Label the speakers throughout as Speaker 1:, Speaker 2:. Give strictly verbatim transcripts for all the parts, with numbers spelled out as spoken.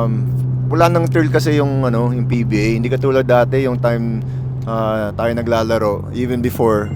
Speaker 1: Um, wala nang thrill kasi yung ano, yung P B A. Hindi katulad dati yung time ah, tayo naglalaro, even before.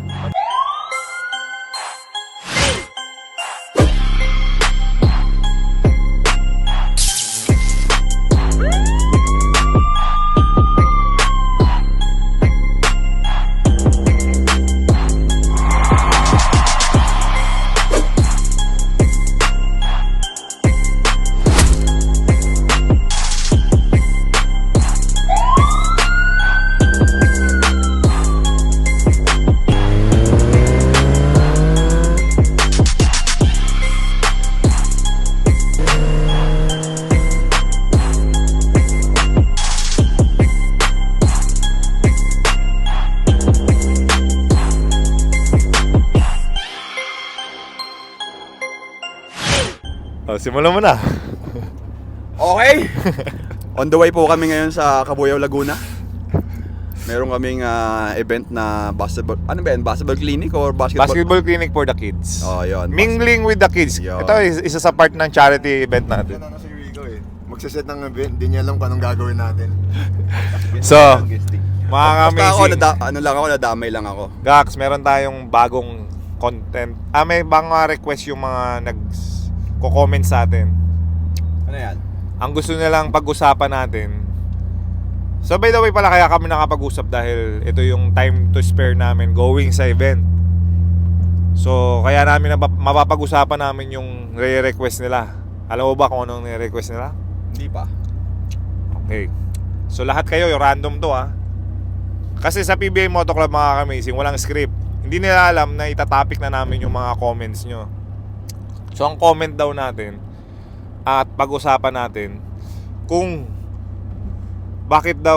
Speaker 1: Oh, simulan mo na.
Speaker 2: Okay. On the way po kami ngayon sa Cabuyao, Laguna. Meron kaming ah, event na basketball. Ano ba yan? Basketball clinic or basketball?
Speaker 3: Basketball clinic for the kids.
Speaker 2: Oh, yun.
Speaker 3: Mingling with the kids.
Speaker 2: Yun.
Speaker 3: Ito is isa sa part ng charity event natin.
Speaker 1: Ano si Rico eh. Magsaset ng event, hindi niya alam kung anong gagawin natin.
Speaker 3: So, mga
Speaker 2: Basta ako,
Speaker 3: amazing.
Speaker 2: nada- ano lang ako, nadamay lang ako.
Speaker 3: Gax, meron tayong bagong content. Ah, may mga request yung mga nag-comment sa atin.
Speaker 2: Ano yan?
Speaker 3: Ang gusto nilang pag-usapan natin. So by the way pala, kaya kami nakapag-usap dahil ito yung time to spare namin going sa event. So kaya namin nabap- mapapag-usapan namin yung re-request nila. Alam mo ba kung anong re-request nila?
Speaker 2: Hindi pa.
Speaker 3: Okay. So lahat kayo, yung random to ah. Kasi sa P B A Moto Club mga kamazing, walang script. Hindi nila alam na itatopic na namin yung mga comments nyo. So ang comment daw natin at pag-usapan natin kung bakit daw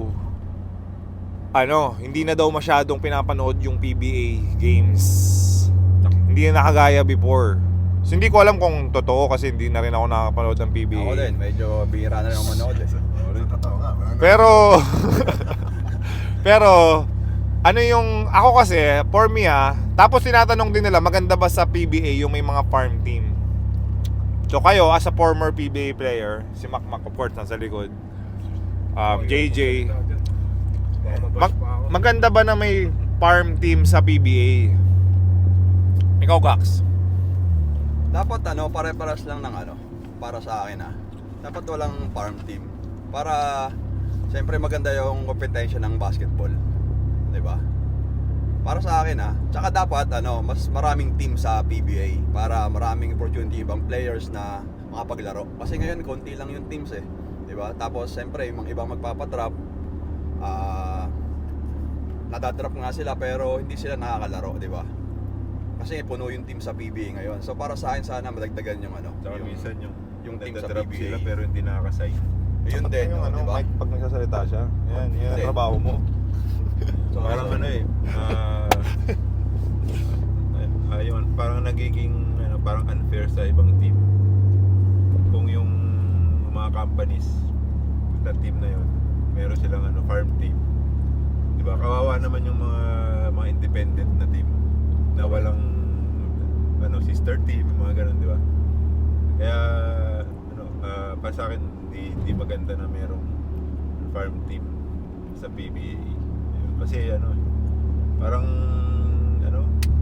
Speaker 3: ano, hindi na daw masyadong pinapanood yung P B A games. Hindi na nakagaya before. So, hindi ko alam kung totoo kasi hindi na rin ako nakapanood ng P B A.
Speaker 2: Ako din, medyo bihira na lang ako manood eh.
Speaker 1: Totoo nga. wala na.
Speaker 3: Pero Pero ano yung ako kasi for me ah, tapos tinatanong din nila maganda ba sa P B A yung may mga farm team. So kayo as a former P B A player, si Macmac of course nasa likod. Um, J J, mag- maganda ba na may farm team sa P B A? Ikaw Gax.
Speaker 2: Dapat ano, pare-paras lang ng ano, para sa akin ah. Dapat walang farm team. Para, siyempre maganda yung kompetensya ng basketball. 'Di ba? Para sa akin ah. Tsaka dapat ano, mas maraming team sa P B A para maraming opportunity ibang players na makapaglaro. Kasi ngayon konti lang yung teams eh. 'Di ba? Tapos siyempre yung mga ibang magpapatrap ah nadadrap nga sila pero hindi sila nakakalaro, 'di ba? Kasi puno yung team sa P B A ngayon. So para sa akin sana madagdagan yung ano,
Speaker 4: Tsaka
Speaker 2: yung,
Speaker 4: minsan yung,
Speaker 2: yung team sa
Speaker 4: nagda-drop
Speaker 2: P B A.
Speaker 4: sila pero hindi nakaka-sign.
Speaker 2: Yun din,
Speaker 3: yung
Speaker 2: oh,
Speaker 3: ano,
Speaker 2: 'di ba?
Speaker 3: Mike, pag nagsasalita siya. Yan, yan
Speaker 2: Hindi.
Speaker 3: ang trabaho mo.
Speaker 2: So,
Speaker 4: Parang ano eh, ah, ayun, parang nagiging ano, parang unfair sa ibang team. Kung yung mga companies na team na yun, meron silang ano, farm team. 'Di ba? Kawawa naman yung mga mga independent na team na walang ano, sister team, mga ganun, 'di ba? Kaya ano, ah, para sa akin hindi, hindi maganda na merong farm team sa P B A. Kasi ano, parang ano,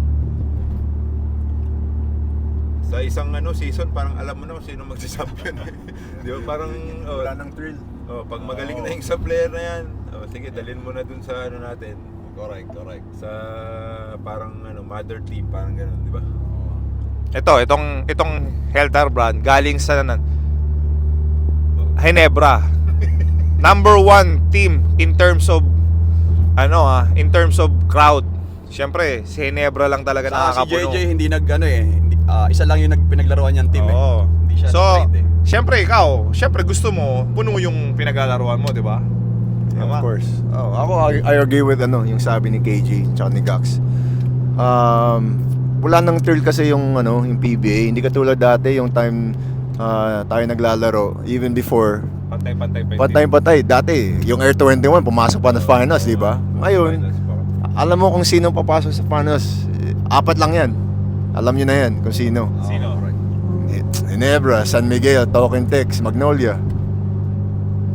Speaker 4: sa isang ano season parang alam mo na kung sino magsi-champion. Di ba? Parang oh,
Speaker 1: Wala nang thrill.
Speaker 4: oh, pag magaling na yung sa player na yan, oh, sige, dalhin mo na dun sa ano natin,
Speaker 2: correct, correct.
Speaker 4: sa parang ano, mother team, parang gano'n, di ba?
Speaker 3: Ito, itong itong Heltar brand galing sa nan Ginebra. Number one team in terms of ano ah, in terms of crowd. Siyempre, si Ginebra lang talaga
Speaker 2: Sa si J
Speaker 3: nakakapuno.
Speaker 2: J hindi nag ano eh, hindi, ah, isa lang yung nagpinaglaruan niyang team eh.
Speaker 3: Oo.
Speaker 2: Hindi siya
Speaker 3: So,
Speaker 2: straight eh.
Speaker 3: siyempre ikaw, siyempre gusto mo puno yung pinaglalaruan mo, di ba?
Speaker 1: Of course. Oh, ako I, I agree with ano, yung sabi ni K J tsaka ni Gax. Um, wala nang thrill kasi yung ano, yung P B A. Hindi katulad dati yung time ah, tayo naglalaro, even before.
Speaker 3: Pantay-pantay pa.
Speaker 1: Patay-patay. Dati, yung Air twenty-one, pumasok pa ng finals, di ba? Ngayon,
Speaker 4: Finals pa.
Speaker 1: alam mo kung sino papasok sa finals. Eh, Apat lang yan. Alam nyo na yan kung sino.
Speaker 3: Sino?
Speaker 2: Correct.
Speaker 1: Ginebra, San Miguel, Token Tex, Magnolia.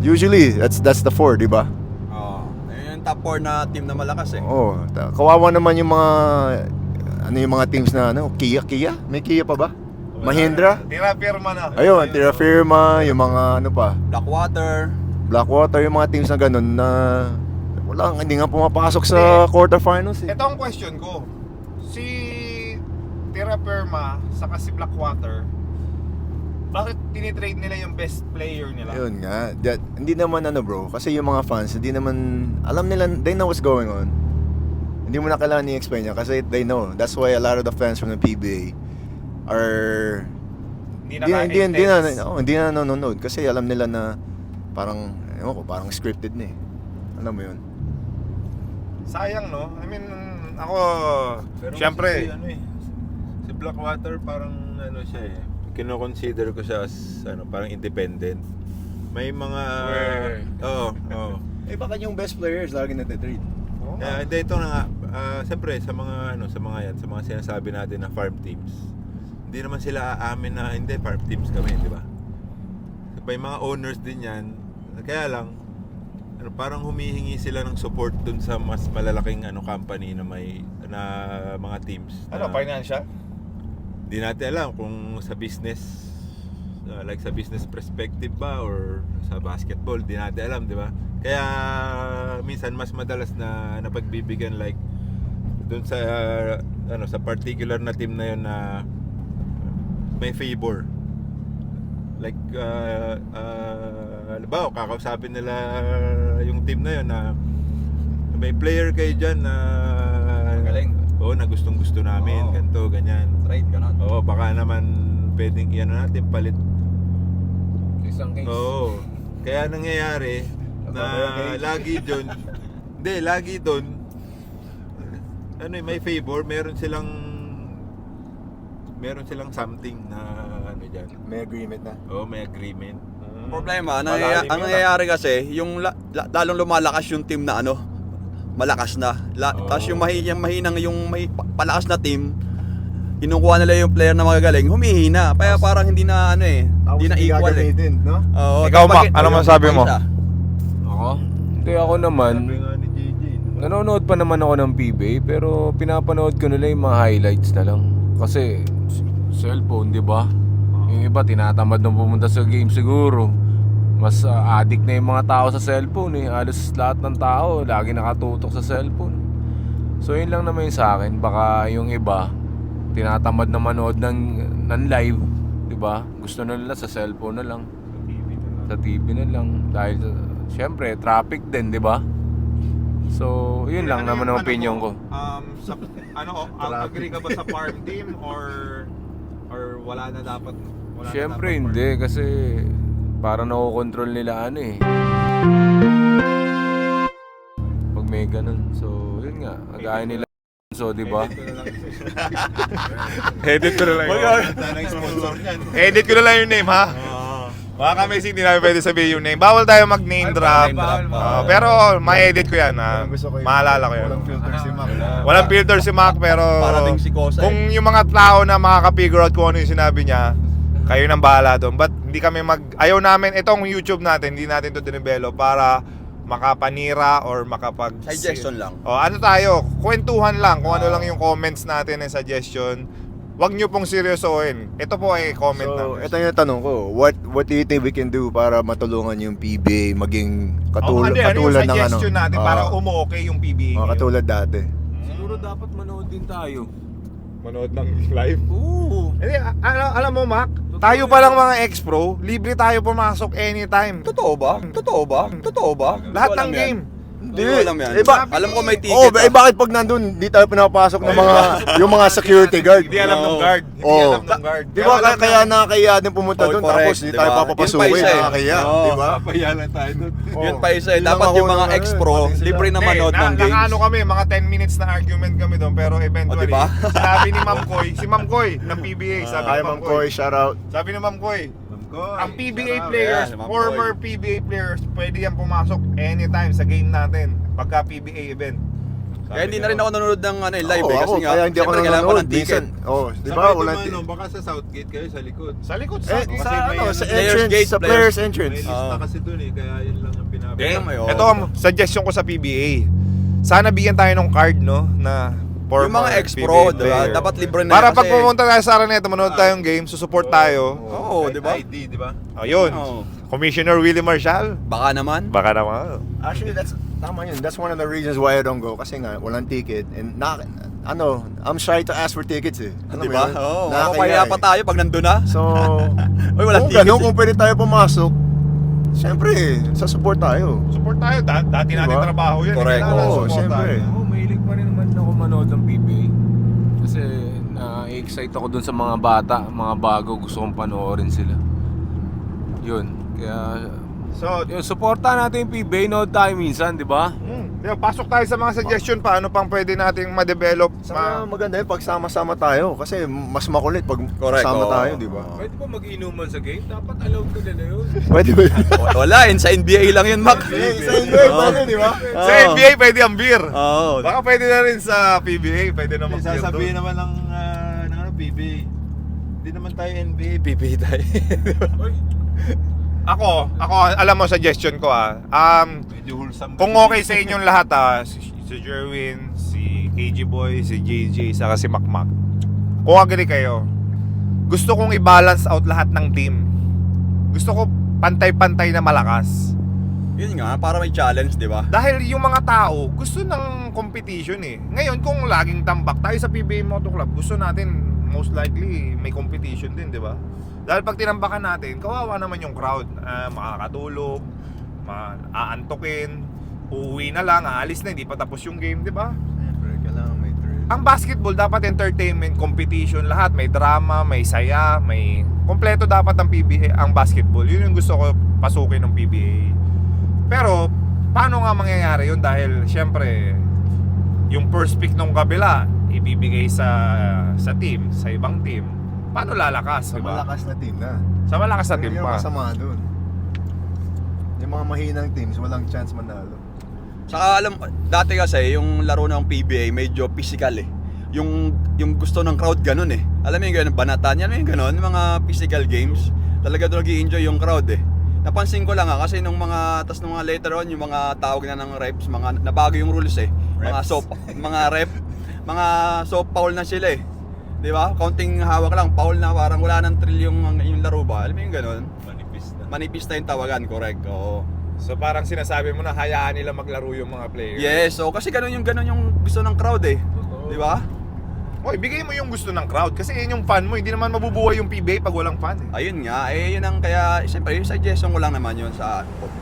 Speaker 1: Usually, that's that's the four, di ba?
Speaker 2: Oo. Ayun yung top four na team na malakas eh.
Speaker 1: Oo. ta- Kawawa naman yung mga ano yung mga teams na ano, Kia, Kia? May Kia pa ba? Mahindra?
Speaker 3: Tira firma na.
Speaker 1: Ayun, Terra Firma, yung mga ano pa,
Speaker 2: Blackwater.
Speaker 1: Blackwater, yung mga teams na ganun na wala, hindi nga pumapasok sa quarterfinals eh.
Speaker 3: Ito ang question ko. Si Tira Firma saka si Blackwater, bakit tinitrade nila yung best player nila?
Speaker 1: Ayun nga, that, hindi naman ano bro, kasi yung mga fans, hindi naman, alam nila, they know what's going on. Hindi mo na kailangan i-explain niya kasi they know. That's why a lot of the fans from the P B A are
Speaker 3: Hindi
Speaker 1: hindi, hindi, hindi na,
Speaker 3: intense.
Speaker 1: oh, hindi na nanonood kasi alam nila na parang, ewan ko, parang scripted na eh. Alam mo yun?
Speaker 3: Sayang, no? I mean, ako,
Speaker 4: Pero
Speaker 3: syempre,
Speaker 4: kasi, ano eh, si Blackwater parang ano siya eh. Kino-consider ko siya as ano, parang independent. May mga
Speaker 3: Where?
Speaker 4: Oo, oo.
Speaker 1: Eh baka yung best players lagi natitrade.
Speaker 3: oh,
Speaker 4: Eh, hindi, ito na nga, ah, siyempre sa mga ano, sa mga yan, sa mga sinasabi natin na farm teams. Hindi naman sila aamin na hindi farm teams kami, di ba? May mga owners din yan. Kaya lang ano, parang humihingi sila ng support dun sa mas malalaking ano company na may na mga teams.
Speaker 3: ano,
Speaker 4: na-
Speaker 3: financial?
Speaker 4: Di natin alam kung sa business uh, like sa business perspective ba or sa basketball, di natin alam, di ba? Kaya minsan mas madalas na napagbibigyan like doon sa uh, ano sa particular na team na yun na may favor. Like uh, uh, halimbawa, kakausapin nila yung team na yun na may player kayo dyan na
Speaker 2: Magaling.
Speaker 4: oo, na gustong gusto namin,
Speaker 2: Oo.
Speaker 4: ganito, ganyan.
Speaker 2: Trade, ganun.
Speaker 4: Oo, baka naman pwedeng iyan natin palit.
Speaker 5: Isang case.
Speaker 4: Oo. Kaya nangyayari na lagi doon, hindi, lagi doon, ano eh, may favor, meron silang, meron silang something na, ano dyan.
Speaker 1: May agreement na.
Speaker 4: Oo, may agreement.
Speaker 2: Ang problema, ang,
Speaker 3: Malalim
Speaker 2: nangyaya-
Speaker 3: yun,
Speaker 2: ang
Speaker 3: ah.
Speaker 2: nangyayari kasi, yung la- la- lalong lumalakas yung team na ano, malakas na. La-
Speaker 4: Oo.
Speaker 2: Tapos yung, mahi- yung mahinang, yung may pa- palakas na team, kinukuha nila yung player na magagaling, humihina. Kaya parang hindi na ano eh, hindi na equal eh.
Speaker 1: no?
Speaker 2: Oo,
Speaker 3: Ikaw,
Speaker 2: tapos
Speaker 3: Mac,
Speaker 2: bakit-
Speaker 3: ano masabi mo?
Speaker 2: Isa.
Speaker 5: Ako? Hindi ako naman.
Speaker 4: Sabi nga ni J J,
Speaker 5: Nanonood pa naman ako ng P B A pero pinapanood ko nila yung mga highlights na lang. Kasi s- cellphone, di ba? Yung iba tinatamad nang pumunta sa game siguro. Mas ah, addict na yung mga tao sa cellphone eh. Halos lahat ng tao lagi nakatutok sa cellphone. So yun lang naman yung sa akin. Baka yung iba tinatamad na manood ng, ng live, di ba? Gusto na nila sa cellphone na lang. Sa T V na lang. Dahil syempre traffic din, di ba? So, yun lang naman ang opinion ko.
Speaker 3: Um, sa, ano, um, agree ka ba sa farm team or or wala na dapat? Wala
Speaker 5: Syempre
Speaker 3: na dapat
Speaker 5: hindi kasi parang nakokontrol nila ano eh. Pag may ganun. So, yun nga. Kagaya nila. So, di ba?
Speaker 3: Edit ko na lang yun.
Speaker 4: Sana yung sponsor niyan.
Speaker 3: Edit ko na lang yung name, ha? Mga kamising, hindi namin pwede sabihin yung name. Bawal tayo mag-name drop.
Speaker 2: name drop,
Speaker 3: Ah,
Speaker 2: ah.
Speaker 3: pero ma-edit ko yan, ha?
Speaker 1: Gusto ko yun.
Speaker 3: Maalala ko yun.
Speaker 1: Walang filter si Mac.
Speaker 3: Walang filter si Mac, pero
Speaker 2: Para ding si Kosa
Speaker 3: kung
Speaker 2: eh.
Speaker 3: yung mga tao na makaka-figure out kung ano yung sinabi niya, kayo nang bahala doon. But hindi kami mag... Ayaw namin, itong YouTube natin, hindi natin to dinevelop para makapanira or makapag...
Speaker 2: Suggestion lang.
Speaker 3: O, ano tayo, kwentuhan lang kung ano lang yung comments natin and suggestion. Huwag nyo pong seryosohin. Ito po ay comment
Speaker 1: So,
Speaker 3: namin.
Speaker 1: ito yung tanong ko. What what do you think we can do para matulungan yung P B A maging
Speaker 3: Oh,
Speaker 1: katulad,
Speaker 3: hindi, ano yung
Speaker 1: katulad ng ano?
Speaker 3: suggestion natin para
Speaker 1: Ah,
Speaker 3: umu-okay yung P B A
Speaker 1: mga
Speaker 3: ngayon?
Speaker 1: katulad dati.
Speaker 5: Siguro dapat manood din tayo.
Speaker 3: Manood ng live?
Speaker 5: Oo.
Speaker 3: Hindi, a- alam, alam mo, Mac, tayo pa lang mga ex-pro, libre tayo pumasok anytime.
Speaker 2: Totoo ba? Totoo ba? Totoo ba?
Speaker 3: Lahat
Speaker 2: Hindi ko
Speaker 3: ng
Speaker 2: alam yan.
Speaker 3: game.
Speaker 2: Hindi ko alam yan.
Speaker 1: Eh, ba-
Speaker 2: Alam ko may ticket.
Speaker 1: Oh, eh
Speaker 2: ah.
Speaker 1: bakit pag nandun, di tayo pinapasok ng mga yung mga security guard?
Speaker 3: Hindi alam ng
Speaker 2: Oo.
Speaker 3: guard. Hindi
Speaker 1: Oh.
Speaker 3: alam ng guard.
Speaker 1: Di ba kaya,
Speaker 3: alam
Speaker 1: kaya
Speaker 3: ng-
Speaker 1: nakakaya din pumunta
Speaker 2: Oh,
Speaker 1: doon
Speaker 2: correct,
Speaker 1: tapos di
Speaker 2: di
Speaker 1: tayo
Speaker 2: ba?
Speaker 1: papapasukin,
Speaker 2: Yun pa isa eh.
Speaker 1: nakakaya,
Speaker 2: Oo.
Speaker 1: di ba?
Speaker 4: Papayalan tayo doon.
Speaker 2: Yun pa isa eh.
Speaker 1: Yun lang
Speaker 2: Dapat
Speaker 1: ako
Speaker 2: yung mga
Speaker 1: ng ano,
Speaker 2: ex-pro,
Speaker 1: pati sila.
Speaker 2: libre na
Speaker 3: Hindi,
Speaker 2: manood
Speaker 3: na,
Speaker 2: ng games.
Speaker 3: nakaano kami, mga ten minutes na argument kami doon, pero eventually,
Speaker 2: O, diba?
Speaker 3: sabi ni Ma'am Koy, si Ma'am Koy ng P B A, sabi
Speaker 1: Ay,
Speaker 3: ni
Speaker 1: Ma'am Koy, shout out.
Speaker 3: Sabi ni Ma'am Koy,
Speaker 4: Koy,
Speaker 3: ang P B A
Speaker 4: sarap.
Speaker 3: players,
Speaker 2: Yeah, Ma'am
Speaker 3: former P B A players, pwede yan pumasok anytime sa game natin pagka P B A event.
Speaker 2: Kaya hindi na rin ako nanonood ng ano, eh, live
Speaker 1: Oo,
Speaker 2: eh. Kasi
Speaker 1: ako,
Speaker 2: nga,
Speaker 1: kaya hindi ako
Speaker 2: siyempre kailangan ko
Speaker 1: nanonood.
Speaker 2: ng ticket.
Speaker 1: Minsan, oh, di
Speaker 4: Sa
Speaker 1: ba?
Speaker 4: kahit
Speaker 1: Walang
Speaker 4: naman,
Speaker 1: ti-
Speaker 4: no, baka sa Southgate kayo sa likod.
Speaker 3: Sa likod,
Speaker 1: Eh,
Speaker 3: sa...
Speaker 4: Kasi
Speaker 1: sa
Speaker 4: may
Speaker 1: ano,
Speaker 4: ano,
Speaker 1: sa
Speaker 2: players
Speaker 1: entrance,
Speaker 2: gate,
Speaker 1: sa
Speaker 2: players-
Speaker 1: players
Speaker 4: May
Speaker 1: entrance.
Speaker 4: lista
Speaker 2: Oo.
Speaker 4: kasi dun eh, kaya yun lang ang pinapit.
Speaker 2: Kaya may, oo.
Speaker 3: Ito ang suggestion ko sa P B A. Sana bigyan tayo ng card, no? Na former
Speaker 2: Yung mga ex-pro,
Speaker 3: P B A
Speaker 2: diba?
Speaker 3: player.
Speaker 2: Dapat libre na
Speaker 3: Para
Speaker 2: yan
Speaker 3: pag
Speaker 2: kasi-
Speaker 3: pumunta tayo sa Araneta, manood tayong game, susupport tayo.
Speaker 2: Oo, di ba?
Speaker 4: I D, di ba?
Speaker 3: Ayun.
Speaker 2: Oo.
Speaker 3: Commissioner Willie Marshall.
Speaker 2: Baka naman.
Speaker 3: Baka naman.
Speaker 1: Actually, that's tama yun. That's one of the reasons why I don't go. Kasi nga, walang ticket. And na, ano, I'm shy to ask for tickets eh. Alam
Speaker 2: Di
Speaker 1: mo
Speaker 2: ba?
Speaker 1: yun?
Speaker 2: Oo,
Speaker 1: Nakakaya
Speaker 2: makapaya
Speaker 1: eh.
Speaker 2: pa tayo pag nandun na.
Speaker 1: So,
Speaker 2: Uy, walang
Speaker 1: kung
Speaker 2: ticket
Speaker 1: ganun,
Speaker 2: eh.
Speaker 1: kung pwede tayo pumasok, siyempre, sa support tayo.
Speaker 3: Support tayo. Da- dati
Speaker 1: Diba?
Speaker 3: natin trabaho yan.
Speaker 2: Correct.
Speaker 3: Kailangan
Speaker 1: Oo,
Speaker 3: support
Speaker 1: syempre.
Speaker 3: tayo.
Speaker 5: Ako, mahilig pa rin naman ako manood ng P B A. Kasi na-excite ako dun sa mga bata, mga bago, gusto kong panoorin sila. Yun, kaya
Speaker 3: So,
Speaker 5: yun, supportan natin yung P B A, nood tayo minsan, di ba?
Speaker 3: hmm, diba, pasok tayo sa mga suggestion pa. Ano pang pwede nating ma-develop.
Speaker 1: Saka
Speaker 3: Ma-
Speaker 1: maganda yun pag sama-sama tayo. Kasi mas makulit pag
Speaker 2: Correct,
Speaker 1: sama
Speaker 2: oo.
Speaker 1: tayo, di ba?
Speaker 5: Pwede ba mag-inuman sa game? Dapat allowed ko nila yun.
Speaker 1: Pwede ba yun?
Speaker 2: Wala, yun sa N B A lang yun, Mac.
Speaker 1: Eh, sa Enjoy,
Speaker 2: Oo.
Speaker 1: pwede, di ba?
Speaker 3: sa N B A, pwede ang beer.
Speaker 2: Oo.
Speaker 3: Baka pwede na rin sa P B A. Pwede na
Speaker 4: Hindi,
Speaker 3: mag-beer
Speaker 4: sasabihin
Speaker 3: doon.
Speaker 4: naman ng, ah, ng ano, P B A. Hindi naman tayo N B A, P B A tayo.
Speaker 3: Ako, ako, alam mo, suggestion ko ah. Um,
Speaker 4: Medyo wholesome.
Speaker 3: Kung okay sa inyong lahat ah, si, si Jerwin, si K G Boy, si J J, saka si Makmak. Kung agree kayo, gusto kong i-balance out lahat ng team. Gusto ko pantay-pantay na malakas.
Speaker 2: Yun nga, para may challenge, di ba?
Speaker 3: Dahil yung mga tao, gusto ng competition eh. Ngayon, kung laging tambak tayo sa P B A Moto Club, gusto natin most likely may competition din, di ba? Dahil pag tinambakan natin, kawawa naman yung crowd. Ah, makakatulog, maaantokin, uuwi na lang, aalis na, hindi pa tapos yung game, di ba?
Speaker 1: Siyempre, kailangan may thrill.
Speaker 3: Ang basketball dapat entertainment, competition, lahat. May drama, may saya, may... Kompleto dapat ang P B A, ang basketball. Yun yung gusto ko pasukin ng P B A. Pero, paano nga mangyayari yun? Dahil, syempre, yung first pick ng kabila, ibibigay sa sa team, sa ibang team. Paano lalakas,
Speaker 1: Sa
Speaker 3: di ba?
Speaker 1: malakas na team na.
Speaker 3: Sa malakas na team
Speaker 1: Yun yung
Speaker 3: pa.
Speaker 1: masama dun. Yung mga mahinang teams, walang chance manalo.
Speaker 2: Saka alam, dati kasi yung laro ng P B A medyo physical eh. Yung yung gusto ng crowd ganun eh. Alam mo yung ganun, banatan yan, yung ganun, yung mga physical games. Talaga doon nag-i-enjoy yung crowd eh. Napansin ko lang ah, kasi nung mga, tas nung mga later on, yung mga tawag na ng reps, mga nabago yung rules eh. Mga
Speaker 4: Reps.
Speaker 2: soap, mga rep, mga soap foul na sila eh. Di ba? Counting hawak lang, foul na parang wala nang thrill yung, yung laro ba? Alam mo yung ganun?
Speaker 4: Manipis na.
Speaker 2: Manipis na yung tawagan, correct. Oo.
Speaker 3: So parang sinasabi mo na hayaan nila maglaro yung mga players.
Speaker 2: Yes, so kasi ganun yung ganun yung gusto ng crowd eh. Di ba?
Speaker 3: Oy, bigay mo yung gusto ng crowd kasi yun yung fan mo. Hindi naman mabubuhay yung P B A pag walang fan eh.
Speaker 2: Ayun nga, eh yun ang kaya, siyempre yung suggestion ko lang naman yun sa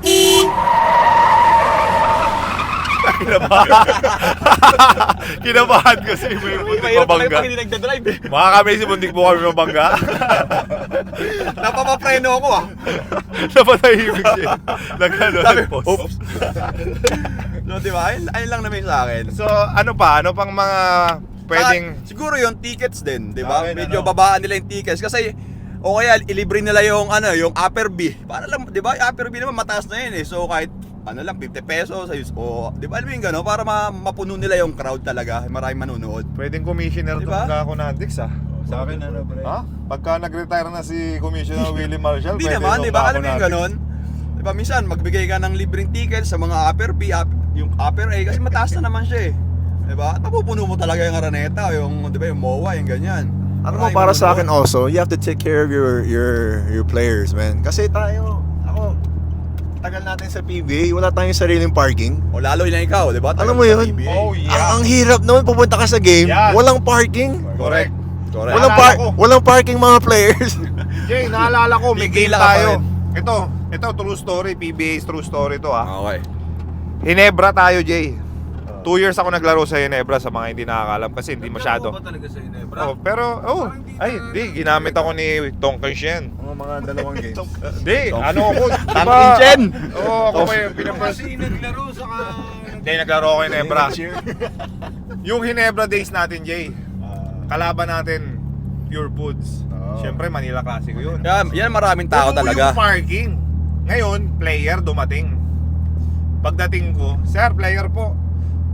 Speaker 3: Kinabahan. Kinabahan kasi may muntik mabangga.
Speaker 2: hindi nagdadrive eh.
Speaker 3: Mga kami si muntik mo kami mabangga.
Speaker 2: Napapapreno ako ah.
Speaker 3: Napatahimik siya. Nagano,
Speaker 2: Sabi,
Speaker 3: nagpost.
Speaker 2: oops. So di ba, ayun, ayun lang naman sa akin.
Speaker 3: So ano pa? Ano pang mga pwedeng...
Speaker 2: Saka, siguro yung tickets din, di ba?
Speaker 4: Akin,
Speaker 2: Medyo
Speaker 4: ano?
Speaker 2: babaan nila yung tickets kasi o kaya ilibre nila yung ano, yung upper B. Para lang, di ba? Yung upper B naman mataas na yun eh. So kahit ano lang fifty pesos ayos o di ba alam mo yung gano'n para ma- mapuno nila yung crowd talaga, maraming manonood.
Speaker 3: Pwedeng commissioner
Speaker 2: Diba?
Speaker 3: tong Kako Nandix ah.
Speaker 4: Sa akin ano, pre?
Speaker 3: Ha? Pagka nag-retire na si Commissioner Willie Marshall,
Speaker 2: Hindi
Speaker 3: pwede
Speaker 2: naman,
Speaker 3: tong
Speaker 2: di ba?
Speaker 3: Kako
Speaker 2: Alam mo yung
Speaker 3: Nandix.
Speaker 2: gano'n? Di ba minsan magbigay ka ng libreng tickets sa mga upper B, up, yung upper A kasi mataas na naman siya eh. Di ba? At mapupuno mo talaga yung Araneta, yung di ba yung M O A, yung ganyan.
Speaker 1: Ano mo,
Speaker 2: Maraming
Speaker 1: para sa akin
Speaker 2: manonood.
Speaker 1: also, you have to take care of your your your players, man. Kasi tayo, ako, tagal natin sa P B A, wala tayong sariling parking.
Speaker 2: O lalo na ikaw, di ba?
Speaker 1: Alam mo
Speaker 2: Tagal
Speaker 1: yun?
Speaker 2: sa P B A.
Speaker 3: Oh
Speaker 1: Ang,
Speaker 3: yeah.
Speaker 1: ang hirap naman pupunta ka sa game,
Speaker 3: Yan.
Speaker 1: walang parking.
Speaker 3: Correct.
Speaker 2: Correct.
Speaker 1: Walang
Speaker 3: Naalala
Speaker 1: par-
Speaker 3: ko.
Speaker 1: walang parking mga players.
Speaker 3: Jay, naalala ko, may game
Speaker 2: Pipila ka pa
Speaker 3: tayo.
Speaker 2: rin.
Speaker 3: Ito, ito true story, P B A's true story to ah.
Speaker 2: Okay.
Speaker 3: Hinebra tayo, Jay. Two years ako naglaro sa Hinebra sa mga hindi nakakalam kasi hindi masyado.
Speaker 5: Naglalaro ba talaga sa Ginebra?
Speaker 3: Oh, pero oh, ay, di ginamit ako ni Tongkan Shen.
Speaker 1: Mga mga dalawang games.
Speaker 3: Di, ano ako, di
Speaker 2: Tang
Speaker 3: ba?
Speaker 2: Inchen.
Speaker 3: Oo, ako pa yung pinapres.
Speaker 5: Kasi naglaro saka...
Speaker 3: Hindi, naglaro ako Hinebra. Yung Hinebra days natin, Jay. Kalaban natin, Pure Foods.
Speaker 1: Oo.
Speaker 3: Siyempre, Manila Classic yun.
Speaker 2: Yan, yan maraming tao
Speaker 3: Puno
Speaker 2: talaga.
Speaker 3: yung parking. Ngayon, player dumating. Pagdating ko, sir, player po.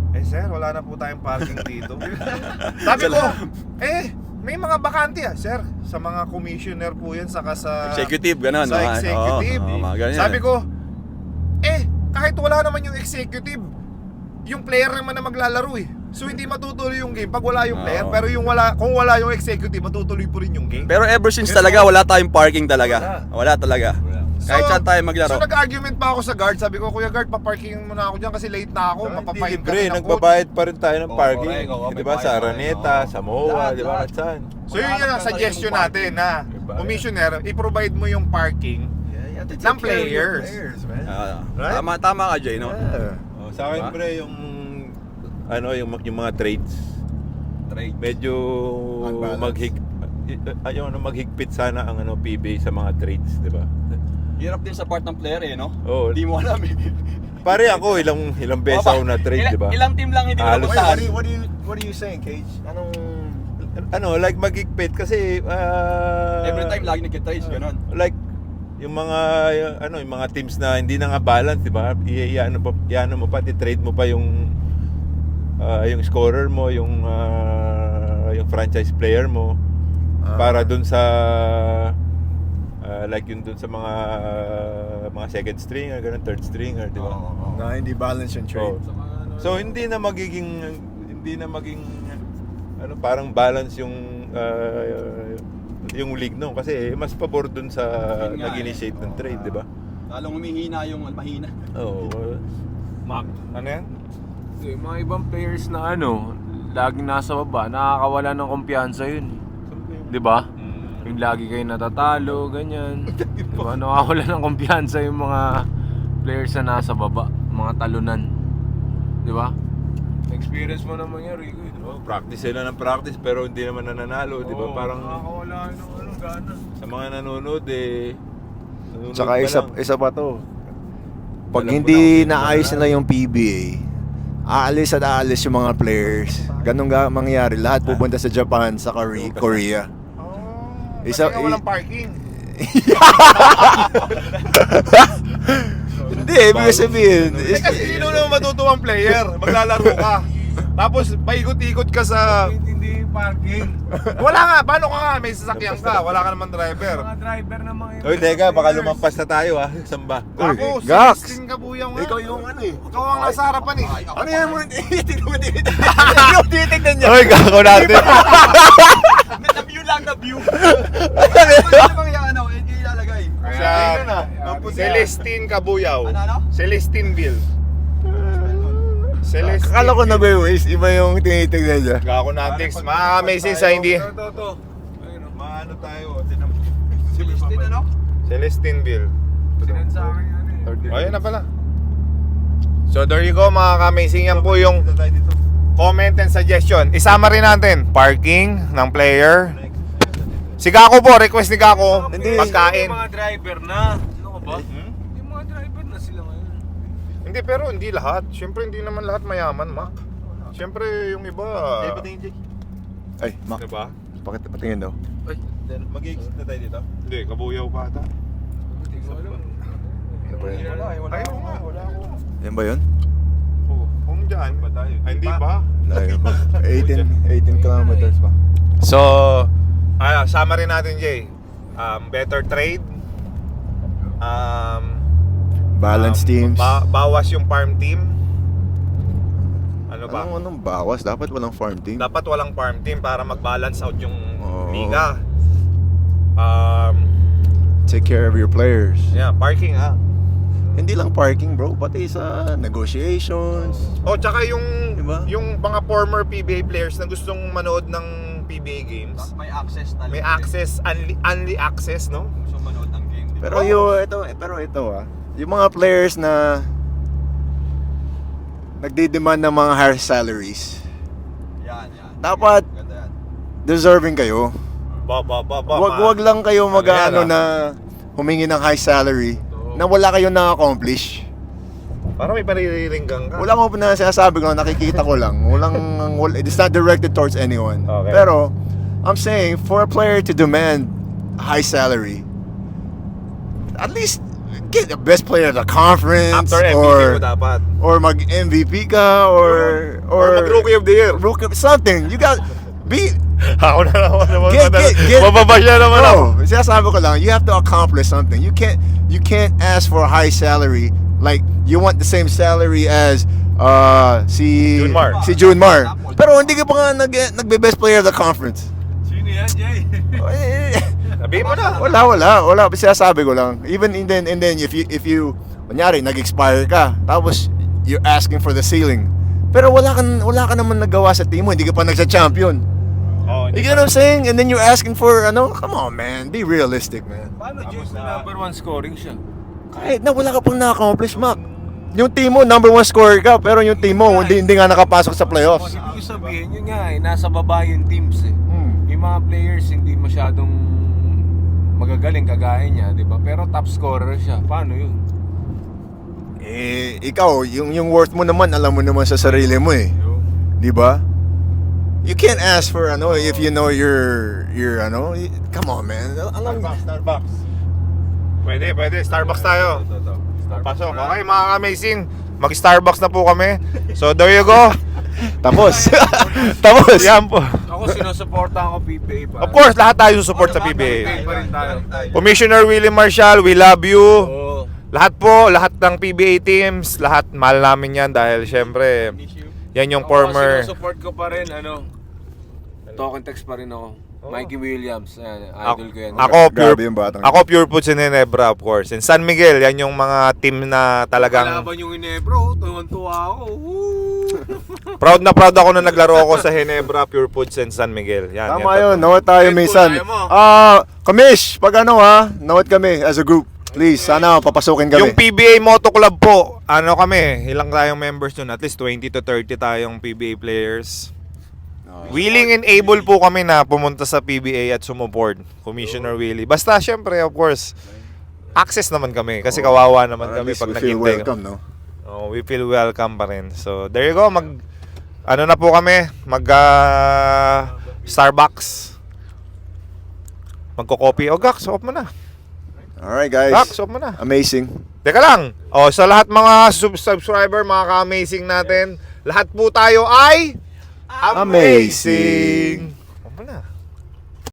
Speaker 3: Eh sir, wala na po tayong parking dito. Sabi ko, eh, may mga bakante ah, sir. Sa mga commissioner po yan, saka sa...
Speaker 2: Executive, ganun.
Speaker 3: Sa
Speaker 2: no?
Speaker 3: executive.
Speaker 2: Oo, oo, mga ganyan.
Speaker 3: Sabi ko, eh, kahit wala naman yung executive, yung player naman na maglalaro eh. So hindi matutuloy yung game pag wala yung player,
Speaker 2: Oo.
Speaker 3: pero yung wala kung wala yung executive, matutuloy po rin yung game.
Speaker 2: Pero ever since
Speaker 3: Yes,
Speaker 2: talaga,
Speaker 3: sir.
Speaker 2: wala tayong parking talaga. Wala, talaga. Kahit saan tayo maglaro.
Speaker 3: So nag-argument pa ako sa guard, sabi ko, Kuya Guard, paparking muna ako dyan kasi late na ako, mapapahin
Speaker 4: Libre,
Speaker 3: kami ng coach.
Speaker 4: nagbabayad pa rin tayo ng
Speaker 2: Oo,
Speaker 4: parking.
Speaker 2: correct, oo,
Speaker 4: Di
Speaker 2: may
Speaker 4: ba?
Speaker 2: bayad
Speaker 4: Sa
Speaker 2: pa rin,
Speaker 4: Araneta,
Speaker 2: oo.
Speaker 4: sa MOA,
Speaker 2: Lahat,
Speaker 4: di ba?
Speaker 2: lahat.
Speaker 4: At saan?
Speaker 3: So yun yung
Speaker 2: Wala
Speaker 3: suggestion
Speaker 2: tayong
Speaker 3: natin na
Speaker 4: Diba?
Speaker 3: commissioner, i-provide mo yung parking ng players.
Speaker 2: Ah,
Speaker 3: Right?
Speaker 2: Tama, tama ka, Jay, no?
Speaker 1: Yeah.
Speaker 4: Oh, sa akin,
Speaker 2: Diba?
Speaker 4: pre, yung ano, yung, yung mga trades,
Speaker 2: Trade.
Speaker 4: medyo
Speaker 1: Unbalanced.
Speaker 4: maghig ayaw ano maghigpit sana ang ano P B A sa mga trades, di ba?
Speaker 2: Hirap din sa part ng player eh, no?
Speaker 4: Oo.
Speaker 2: Hindi mo alam eh.
Speaker 4: Pare ako ilang ilang beses ako na trade,
Speaker 2: Ilang-
Speaker 4: di ba?
Speaker 2: Ilang team lang hindi mo
Speaker 4: Halos-
Speaker 1: Wait,
Speaker 2: napuntahan.
Speaker 1: what are you, what are you, what are you saying, Cage? Anong...
Speaker 4: Ano, like maghigpit kasi ah,
Speaker 2: Every time lagi nagkitrades, ganun.
Speaker 4: like yung mga ano yung mga teams na hindi na nga balance, di ba? Iano pa iano mo pa, i-trade mo pa yung ah, yung scorer mo, yung ah, yung franchise player mo
Speaker 1: Ah.
Speaker 4: para dun sa ah, like yun dun sa mga mga second stringer, ganun, third stringer, di ba?
Speaker 2: Oo, oo.
Speaker 1: Na hindi balance yung trade.
Speaker 4: So, so hindi na magiging hindi na maging ano parang balance yung ah, yung league no kasi mas pabor dun sa
Speaker 2: Yun nga
Speaker 4: nag-initiate
Speaker 2: eh.
Speaker 4: ng trade, di ba?
Speaker 2: Lalong humihina yung mahina.
Speaker 4: Oo.
Speaker 3: Mac, ano yan?
Speaker 5: Yung mga ibang players na ano, laging nasa baba, nakakawala ng kumpiyansa yun. Di ba? Yung lagi kayo natatalo, ganyan. Di ba? Nakakawala ng kumpiyansa yung mga players na nasa baba, mga talunan. Di ba? Experience mo naman yan, Rico. Di ba?
Speaker 4: Oh, practice sila ng practice pero hindi naman nananalo, di ba?
Speaker 5: Oo,
Speaker 4: Parang
Speaker 5: nakakawala ng ano, gana.
Speaker 4: sa mga nanonood eh nanonood
Speaker 1: Tsaka
Speaker 4: pa
Speaker 1: isa,
Speaker 4: lang.
Speaker 1: isa pa to. Pag
Speaker 4: Alam ko
Speaker 1: hindi
Speaker 4: na kung sino
Speaker 1: naayos
Speaker 4: mananalo.
Speaker 1: nila yung P B A, aalis at aalis yung mga players. Ganun ga mangyayari. Lahat pupunta sa Japan, sa Korea. Korea.
Speaker 3: Oh,
Speaker 1: Isa-
Speaker 3: kasi nga walang parking.
Speaker 1: Hindi, ibig sabihin.
Speaker 3: Eh
Speaker 1: is-
Speaker 3: kasi sino naman matutuwang player? Maglalaro ka. Tapos paikot-ikot ka sa...
Speaker 5: Hindi parking.
Speaker 3: Wala nga, paano ka nga? May sasakyan ka, wala ka naman driver.
Speaker 5: Mga driver naman yun.
Speaker 4: Oy, teka, baka lumampas na tayo ah. Samba.
Speaker 1: Uy,
Speaker 3: Ako,
Speaker 1: Gax!
Speaker 3: Celestine Kabuyaw nga.
Speaker 1: Ikaw yung ano eh.
Speaker 3: Ikaw ang nasa harapan eh.
Speaker 1: Ano yan mo? Titignan mo, titignan mo. Titignan niya.
Speaker 4: Oy, gako natin.
Speaker 2: Na view lang, na view. Ano bang yung ano, ilalagay?
Speaker 3: Siya,
Speaker 1: Tingnan na.
Speaker 3: Celestine Kabuyaw.
Speaker 2: Ano, ano?
Speaker 3: Celestine Bill. Celestine.
Speaker 1: Akala ko nag-waste. Iba yung tinitignan niya.
Speaker 3: Gako natin. Mga-amazing sa hindi.
Speaker 5: Ito, ito, ito. Ayun o.
Speaker 4: Maano tayo, tinam.
Speaker 2: Celestine, ano?
Speaker 3: Celestine Bill.
Speaker 5: Sinend sa akin yan eh.
Speaker 3: Oh, ayun na pala. So there you go mga ka-amazing. Yan po yung
Speaker 4: Dito tayo dito.
Speaker 3: comment and suggestion. Isama rin natin parking ng player. Si Gako po, request ni Gako,
Speaker 1: Hindi.
Speaker 3: pagkain.
Speaker 5: Yung mga driver na. Ano ka ba?
Speaker 3: Hmm?
Speaker 5: Yung mga driver na sila ngayon.
Speaker 3: Hindi, pero hindi lahat. Siyempre hindi naman lahat mayaman, Mac. Siyempre yung iba,
Speaker 4: Eh, patingin, Jay.
Speaker 1: Ay, Mac.
Speaker 3: diba?
Speaker 1: Pakit, patingin daw.
Speaker 4: Then, mag-exit na tayo dito.
Speaker 3: Hindi, kabuyaw pa ata.
Speaker 5: Hindi ko alam.
Speaker 1: Ano ba yan?
Speaker 2: Wala, eh, wala.
Speaker 3: Ayaw nga, wala ako.
Speaker 1: Yan ba yun?
Speaker 3: Oh, kung dyan,
Speaker 4: Ba tayo?
Speaker 3: ay, hindi ba?
Speaker 1: Layo pa. eighteen, eighteen kilometers pa.
Speaker 3: So, ah, sama rin natin, Jay. Um, better trade. Um,
Speaker 1: Balance
Speaker 3: um,
Speaker 1: teams.
Speaker 3: ba- bawas yung farm team. Ano ba?
Speaker 1: Anong, anong bawas? Dapat walang farm team.
Speaker 3: Dapat walang farm team para mag-balance out yung
Speaker 1: Oo.
Speaker 3: liga. Um,
Speaker 1: Take care of your players.
Speaker 3: yeah, parking ha.
Speaker 1: Hindi lang parking, bro. Pati sa negotiations.
Speaker 3: Oh, tsaka yung
Speaker 1: Diba?
Speaker 3: yung mga former P B A players na gustong manood ng P B A games,
Speaker 2: May access na.
Speaker 3: may access, unli, unli access, no?
Speaker 2: Gusto manood ng game, di ba?
Speaker 1: Pero yung ito, pero ito ah. Yung mga players na nagdi-demand ng mga higher salaries,
Speaker 2: Yan, yan.
Speaker 1: dapat
Speaker 2: Ganda yan.
Speaker 1: deserving kayo.
Speaker 3: Ba, ba, ba, ba.
Speaker 1: Wag
Speaker 3: ma-
Speaker 1: wag lang kayo
Speaker 3: Ano yan,
Speaker 1: mag-ano
Speaker 3: ah?
Speaker 1: na humingi ng high salary na wala kayong na-accomplish.
Speaker 3: Parang may paririringgang ka.
Speaker 1: Wala ko na sinasabi ko, nakikita ko lang. Walang, wal- it's not directed towards anyone.
Speaker 3: Okay.
Speaker 1: Pero, I'm saying, for a player to demand high salary, at least get the best player of the conference
Speaker 3: After M V P
Speaker 1: or
Speaker 3: mo dapat.
Speaker 1: or mag M V P ka or
Speaker 3: Or mag-rookie of the year.
Speaker 1: rookie something. You got be
Speaker 3: Ako na naman naman.
Speaker 1: Get- get- get-
Speaker 3: Mababa siya naman ako.
Speaker 1: Bro, sinasabi ko lang, you have to accomplish something. You can't you can't ask for a high salary like you want the same salary as uh si
Speaker 3: Junmar.
Speaker 1: si Junmar. Pero hindi ka pa nga nag nagbe-best player of the conference.
Speaker 2: Sino yan, Jay?
Speaker 1: Eh,
Speaker 3: Sabihin mo na.
Speaker 1: Wala, wala, wala. Sinasabi ko lang. Even and then, and then if you, if you, kunyari, nag-expire ka, tapos you're asking for the ceiling. Pero wala ka, wala ka naman nagawa sa team mo, hindi ka pa nagsa-champion.
Speaker 3: Oh,
Speaker 1: You get what I'm saying? And then you're asking for, ano, come on, man. Be realistic, man.
Speaker 5: Paano James na number one scoring siya?
Speaker 1: Kahit na wala ka pang na-accomplish, Mac. Yung team mo, number one scorer ka, pero yung team mo, hindi, hindi nga nakapasok sa playoffs.
Speaker 5: Ibig sabihin yun nga eh, nasa baba yung teams eh.
Speaker 1: Hmm.
Speaker 5: Yung mga players hindi masyadong magagaling kagaya niya, di ba? Pero top scorer siya. Paano yun?
Speaker 1: Eh, ikaw, yung, yung worth mo naman, alam mo naman sa sarili mo eh. Di ba? You can't ask for ano if you know you're you're ano. y- Come on, man. Alam
Speaker 3: Starbucks, Starbucks. Pwede, pwede. Starbucks tayo.
Speaker 4: Ito, ito.
Speaker 3: Pasok. Okay, mga amazing. Mag-Starbucks na po kami. So, there you go.
Speaker 1: tapos. tapos.
Speaker 3: Yan po.
Speaker 5: Ako sinusuportahan ko P B A pa.
Speaker 3: Of course, lahat tayo support sa P B A.
Speaker 5: P B A pa rin tayo.
Speaker 3: Commissioner Willie Marshall, we love you.
Speaker 5: Oo.
Speaker 3: Lahat po, lahat ng P B A teams, lahat mahal namin yan dahil syempre, yan yung
Speaker 5: Ako,
Speaker 3: former.
Speaker 5: sinusupport ko pa rin, ano, talk and text pa rin ako. Mikey Williams, ayan,
Speaker 3: Ako,
Speaker 5: idol ko yan.
Speaker 3: ako
Speaker 1: Grabe
Speaker 3: pure,
Speaker 1: yung batang.
Speaker 3: ako pure foods in Ginebra, of course. And San Miguel, yan yung mga team na talagang
Speaker 5: Kalaban yung Inebro, tuwan-tuwa ako. Woo!
Speaker 3: proud na proud ako na naglaro ako sa Ginebra, Pure Foods and San Miguel. Yan,
Speaker 1: Tama
Speaker 3: yan.
Speaker 1: yun. Nawat tayo
Speaker 5: Red Bull,
Speaker 1: minsan.
Speaker 5: ayaw mo.
Speaker 1: Ah, Kamish, pag ano ha, nawat kami as a group. Please, sana papasukin kami.
Speaker 3: Yung P B A Moto Club po, ano kami, ilang tayong members nun? At least twenty to thirty tayong P B A players. Willing and able po kami na pumunta sa P B A at sumuport. Commissioner Willie. Basta syempre, of course, access naman kami. Kasi kawawa naman
Speaker 1: At
Speaker 3: kami
Speaker 1: least
Speaker 3: pag
Speaker 1: we feel
Speaker 3: naghintay.
Speaker 1: welcome, no?
Speaker 3: Oh, we feel welcome pa rin. So, there you go. Mag, ano na po kami? Mag, ah, Starbucks. Magko-copy. O, Gax, off mo na.
Speaker 1: Alright, guys.
Speaker 3: Gax, off mo na.
Speaker 1: Amazing.
Speaker 3: Teka lang. O, sa lahat mga sub- subscriber, mga ka-amazing natin, lahat po tayo ay
Speaker 1: Amazing.
Speaker 3: Off mo na.